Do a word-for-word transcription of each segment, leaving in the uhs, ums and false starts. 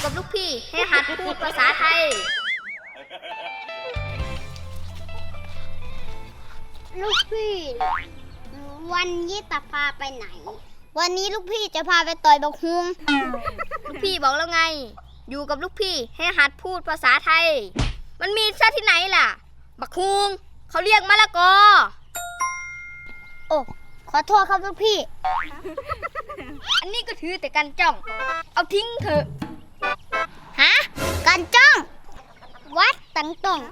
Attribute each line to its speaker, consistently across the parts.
Speaker 1: กับลูกพี่ให้หัดพูดภาษาไทย
Speaker 2: ลูกพี่วันนี้จะพาไปไหนวันนี้ลูกพี่จะพาไปต่อยบักฮุง
Speaker 1: ลูกพี่บอกแล้วไงอยู่กับลูกพี่ให้หัดพูดภาษาไทยมันมีซะที่ไหนล่ะบักฮุงเขาเรียกมะละกอ
Speaker 2: โอ้ขอโทษครับลูกพี่
Speaker 1: อันนี้ก็ถือแต่กันจ้องเอาทิ้งเถอะ
Speaker 2: ฮะกันจ้องวัดตังตง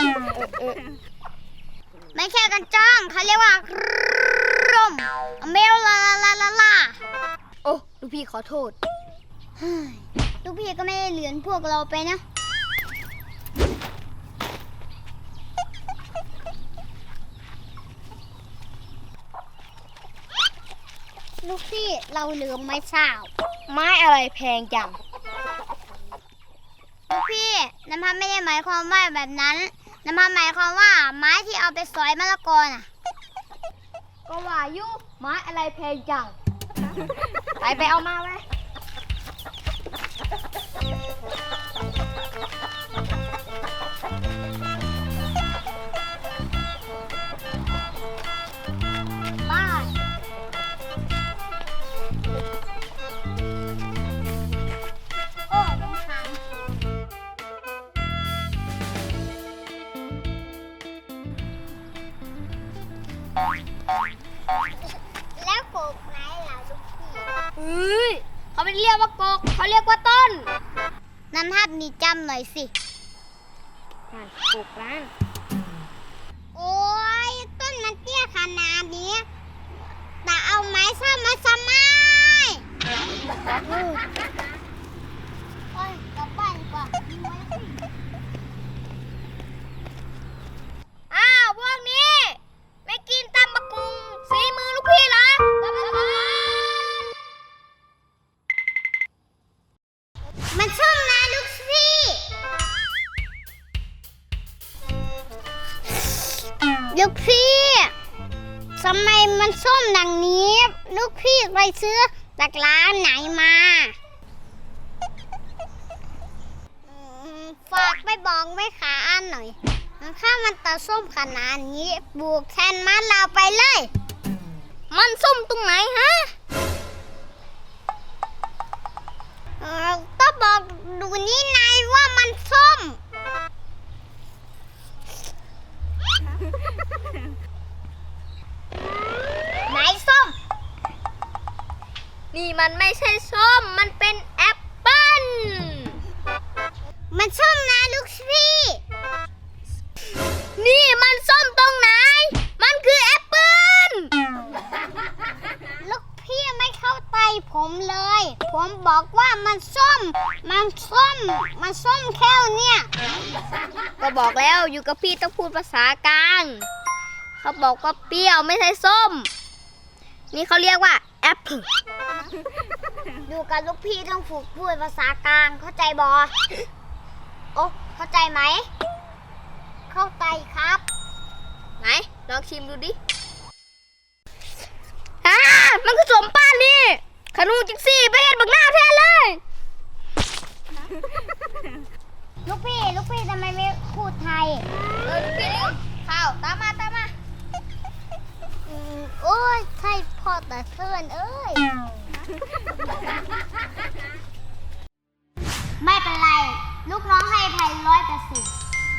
Speaker 2: ไม่ใช่กันจ้องเขาเรียกว่าร่มเมลลาลาลาลา
Speaker 1: โอ้ลูกพี่ขอโทษ
Speaker 2: ลูกพี่ก็ไม่ได้เหลือนพวกเราไปนะลูกพี่เราลืมไม้สาว
Speaker 1: ไม้อะไรแพงจัง
Speaker 2: ลูกพี่น้ำพันไม่ได้หมายความว่าแบบนั้นน้ำพันหมายความว่าไม้ที่เอาไปสอยมะละกอน่ะ
Speaker 1: ก็ว่ายุไม้อะไรแพงจังไปไปเอามาไว้
Speaker 2: แล้วกกไหนล่ะลูกพี่
Speaker 1: เฮ้ยเขาไม่เรียกว่ากกเขาเรียกว่าต้น
Speaker 2: น้ำภาพนี้จำหน่อยสิ
Speaker 1: นั่นกกร้าน
Speaker 2: โอ้ยต้นมันเตี้ยขนาดนี้แต่เอาไม้ซ้ำมาซ้ำไม้โอ้ยกลับบ้านดีกว่า
Speaker 1: อ้าวพวกนี้ไม่กินตำบักกุงสีมือลูกพี่เหรอกลับมาก่อน
Speaker 2: มันส้มนะลูกพี่ลูกพี่ทำไมมันส้มดังนี้ลูกพี่ไปซื้อจากร้านไหนมาฝากไปบอกไว้ขาอันหน่อยถ้ามันตาส้มขนาดนี้บุกแทนมันเราไปเลย
Speaker 1: มันส้มตรงไหนฮะ
Speaker 2: เออต้องบอกดูนี่นายว่ามันส้มไหนส้ม
Speaker 1: นี่มันไม่ใช่ส้มมันเป็นแอปเปิ้ล
Speaker 2: มันส้มนะลูกพี่
Speaker 1: นี่มันส้มตรงไหนมันคือแอปเปิ้ล
Speaker 2: ลูกพี่ไม่เข้าใจผมเลยผมบอกว่ามันส้มมันส้มมันส้มแค่เนี่ย
Speaker 1: ก็บอกแล้วอยู่กับพี่ต้องพูดภาษากลางเขาบอกว่าเปรี้ยวไม่ใช่ส้มนี่เขาเรียกว่าแอปเปิ้ล
Speaker 2: อยู่กับลูกพี่ต้องฝึกพูดภาษากลางเข้าใจบอโอ้เข้าใจไหมเข้าใจครับ
Speaker 1: ไหนลองชิมดูดิอ่ามันคือสมป้านนี่ขนูจิกซี่ไปเห็นบักหน้าแทนเลย
Speaker 2: ลูกพี่ลูกพี่ทำไมไม่พูดไทย
Speaker 1: เออลูกพี่ลืมข้าวตามมาตามมา
Speaker 2: อืมโอ้ยใช่พ่อแต่เสื่อนเอ้ยไม่เป็นไรลูกน้องให้ไทยร้อยเปอร์เซ็นต์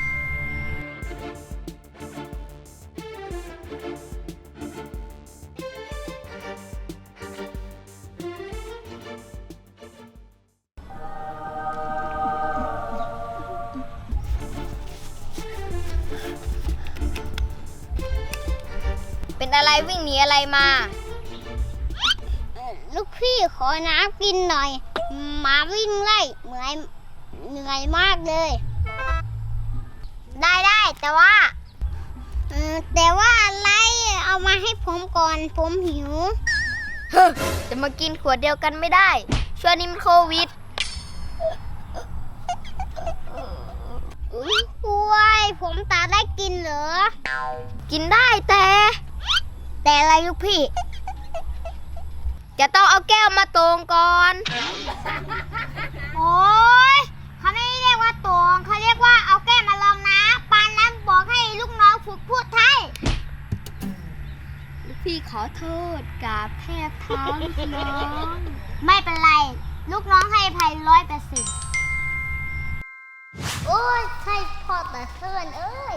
Speaker 1: เป็นอะไรวิ่งหนีอะไรมา
Speaker 2: ลูกพี่ขอน้ำกินหน่อยหมาวิ่งไล่เหนื่อยเหนื่อยมากเลยได้ได้แต่ว่าแต่ว่าอะไรเอามาให้ผมก่อนผมหิว
Speaker 1: เฮ้จะมากินขวดเดียวกันไม่ได้ช่วงนี้มันโควิด
Speaker 2: อุ้ยผมตาได้กินเหรอ
Speaker 1: กินได้แต่
Speaker 2: แต่อะไรลูกพี่
Speaker 1: จะต้องเอาแก้วมาตรงก่อน
Speaker 2: โอ้ย
Speaker 1: โทษกราบแทบเท้าลูกน้อง
Speaker 2: ไม่เป็นไร ลูกน้องให้อภัยร้อยเปอร์เซ็นต์โอ้ยใช่พ่อแต่เพื่อนเอ้ย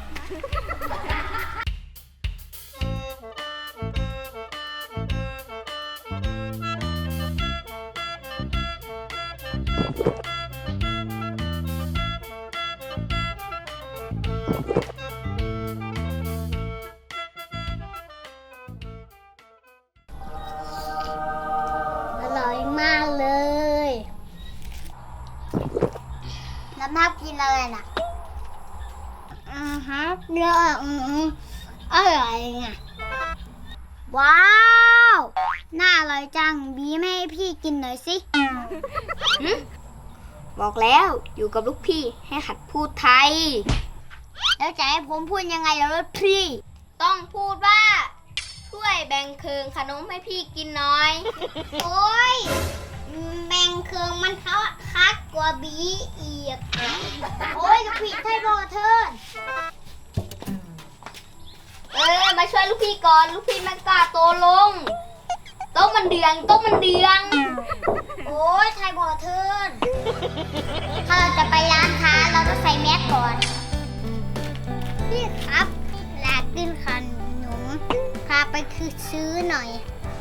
Speaker 2: อร่อยมากเลยน้ำทับกินอะไรน่ะอือฮะเนื้ออืมอร่อยไงว้าว น่าอร่อยจัง บีไม่ให้พี่กินหน่อยสิ
Speaker 1: หึบอกแล้วอยู่กับลูกพี่ให้หัดพูดไทย
Speaker 2: แล้วจะให้ผมพูดยังไงล่ะรถพี่
Speaker 1: ต้องพูดว่า ช่วยแบ่งเคืองขนมให้พี่กินหน่อย
Speaker 2: โอ้ยแมงเคืองมันเขาคักกว่าบีอีก โอ้ยลูกพี่ไทยบอเทิร์น
Speaker 1: เออมาช่วยลูกพี่ก่อนลูกพี่มันกล้าโตลงโต๊ะมันเดืองโต๊ะมันเดือง
Speaker 2: โอ้ยไทยบอเทิร์น ถ้าเราจะไปร้านค้าเราต้องใส่แมสก่อน พี่ครับอยากกินขนมพาไปคือซื้อหน่อย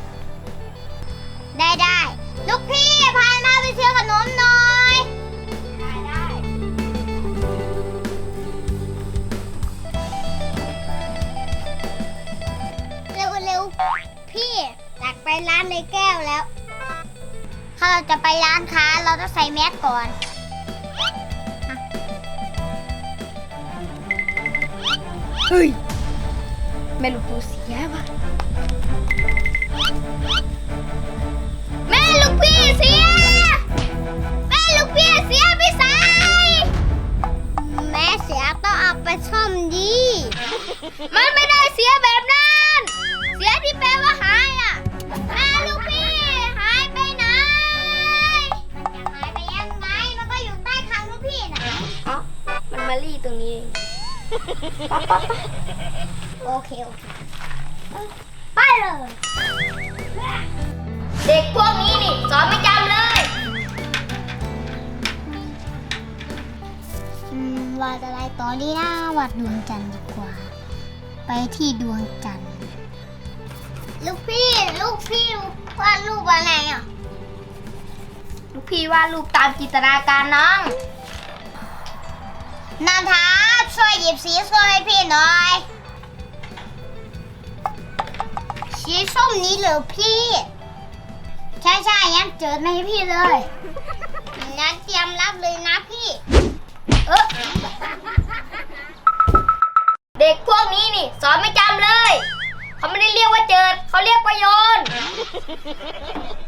Speaker 2: ได้ได้ลูกพี่พามาไปซื้อขนมหน่อย
Speaker 1: ได้ได้
Speaker 2: เร็วเร็วพี่อยากไปร้านในแก้วแล้ว ถ้าเราจะไปร้านค้าเราต้องใส่แมสก่อน
Speaker 1: เฮ้ยแม่ลูกปูเสียว่ะแม่ลูกพี่เสียแม่ลูกพี่เสียพี่สาย
Speaker 2: แม่เสียต้องเอาไปซ่อมดี
Speaker 1: มันไม่ได้เสียแบบนั้น เสียที่แปลว่าหายอ่ะแม่ลูกพี่หายไปไหน
Speaker 2: มันจะหายไปยังไง มันก็อยู่ใต้คางลูกพี่น่ะ
Speaker 1: อ๋อมันมาลี่ตรงนี้เอง
Speaker 2: โอเค โอเค ไปเลย
Speaker 1: เด็กพวกนี้นี่สอนไม่จำเลย
Speaker 2: อืมวาดอะไรต่อดีนะวาดดวงจันทร์ดีกว่า ไปที่ดวงจันทร์ ลูกพี่ ลูกพี่วาดรูปอะไรอ่ะ
Speaker 1: ลูกพี่วาดรูปตามจินตนาการน้อง
Speaker 2: นันทาช่วยหยิบสีส้มให้พี่หน่อย สีส้มนี้เหรอพี่ ใช่ใช่งั้นเจิดมาให้พี่เลยงั้นเตรียมรับเลยนะพี่
Speaker 1: เออเด็กพวกนี้นี่สอนไม่จำเลย เขาไม่ได้เรียกว่าเจิด เขาเรียกว่าโยน